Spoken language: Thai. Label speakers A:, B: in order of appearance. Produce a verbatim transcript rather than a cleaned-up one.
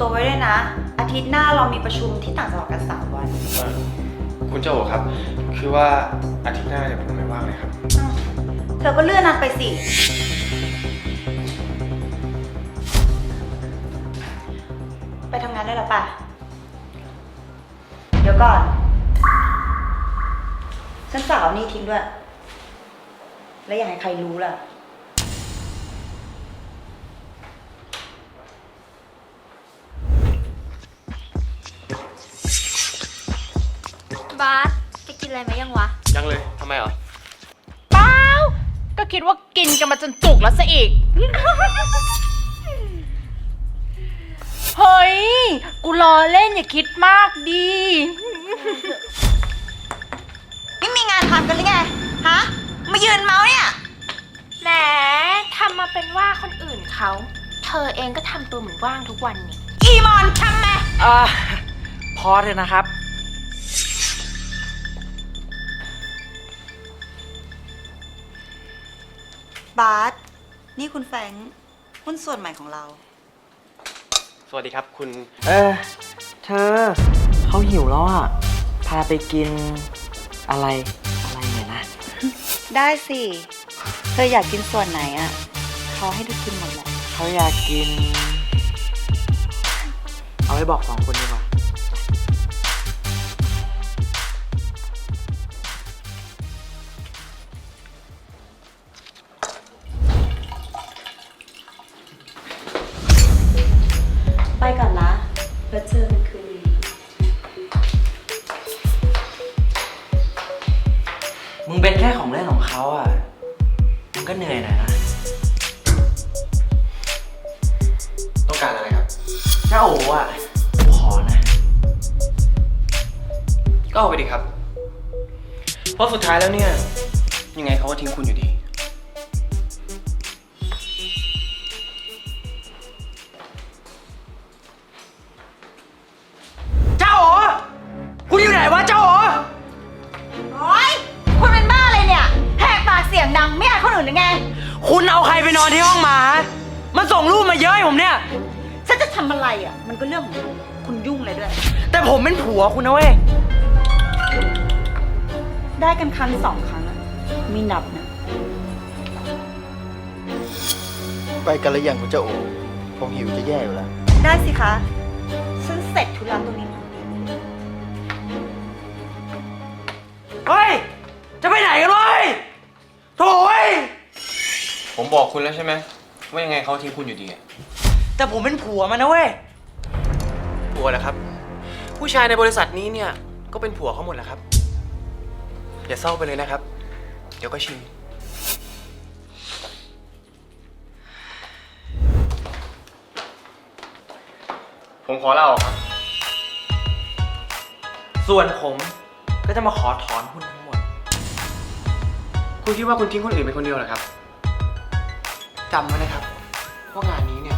A: ตัวไว้ด้วยนะ อาทิตย์หน้าเรามีประชุมที่ต่างจังหวัดกันสามวัน
B: คุณเจ้าโอครับ คือว่าอาทิตย์หน้าเนี่ยผมไม่ว่างเลยครับ
A: อ้าวเธอก็เลื่อนนัดไปสิ ไปทำงานได้แล้วป่ะ เดี๋ยวก่อน ฉันฝากเอานี่ทิ้งด้วย แล้วอย่าให้ใครรู้ล่ะ
C: บาสจะกินอะไรไหมยังวะ
B: ยังเลยทำไมเหรอ
D: เปล่าก็คิดว่ากินกันมาจนจุกแล้วซะอีก เฮ้ย กูรอเล่นอย่าคิดมากดี
A: ไม่มีงานทำกันหรือไง ฮะ มายืนเมาส์เนี่ย
D: แหมทำมาเป็นว่าคนอื่นเขา เธอเองก็ทำตัวเหมือนว่างทุกวันนี่
A: อีมอนทำไหม
E: อ่าพอเถอะนะครับ
A: บาสนี่คุณแฟรงค์หุ้นส่วนใหม่ของเรา
B: สวัสดีครับคุณ
E: เออ เธอเขาหิวแล้วอ่ะ พาไปกินอะไร อะไรเนี่ยนะ
A: ได้สิ เธออยากกินส่วนไหนอ่ะ เขาให้ได้กินหมดแหละ
E: เขาอยากกิน เอาไว้บอกสองคนดีกว่า
A: ไปก่อนนะ แล้วเจอกันคืนนี้
E: มึงเป็นแค่ของเล่นของเขาอ่ะ มึงก็เหนื่อยหน่อยนะ
B: ต้องการอะไรครับ
E: เจ้าโอ๋อ่ะกูขอนะ
B: ก็เอาไปดิครับ เพราะสุดท้ายแล้วเนี่ย ยังไงเขาก็ทิ้งคุณอยู่ดี
E: เจ้าโอ๋คุณอยู่ไหนวะเจ้าโอ๋
A: โอ๊ย คุณเป็นบ้าอะไรเนี่ย แหกปากเสียงดังไม่อายคนอื่นหรือไง
E: คุณเอาใครไปนอนที่ห้องหมามันส่งรูปมาเยอะให้ผมเนี่ย
A: ฉันจะทำอะไรอ่ะ มันก็เรื่องของคุณคุณยุ่งเลยด้วย
E: แต่ผมเป็นผัวคุณนะเว้ย
A: ได้กันครั้งสองครั้งอะไม่นับนะ
F: ไปกันหรือยังคุณเจ้าโอผมหิวจะแย่อยู่แล้ว
A: ได้สิคะ ฉันเสร็จธุระตรงนี้พอดี
E: เฮ้ย จะไปไหนกันเว้ยโถ่เว้ย
B: ผมบอกคุณแล้วใช่ไหมว่ายังไงเขาทิ้งคุณอยู่ดีอะ
E: แต่ผมเป็นผัวมันนะเว้ย
B: ผัวเหรอครับ ผู้ชายในบริษัทนี้เนี่ยก็เป็นผัวเขาหมดแหละครับ อย่าเศร้าไปเลยนะครับ เดี๋ยวก็ชิน ผมขอลาออกครับ
E: ส่วนผมก็จะมาขอถอนหุ้นทั้งหมด
B: คุณคิดว่าคุณทิ้งคนอื่นเป็นคนเดียวเหรอครับจำไว้นะครับว่างานนี้เนี่ย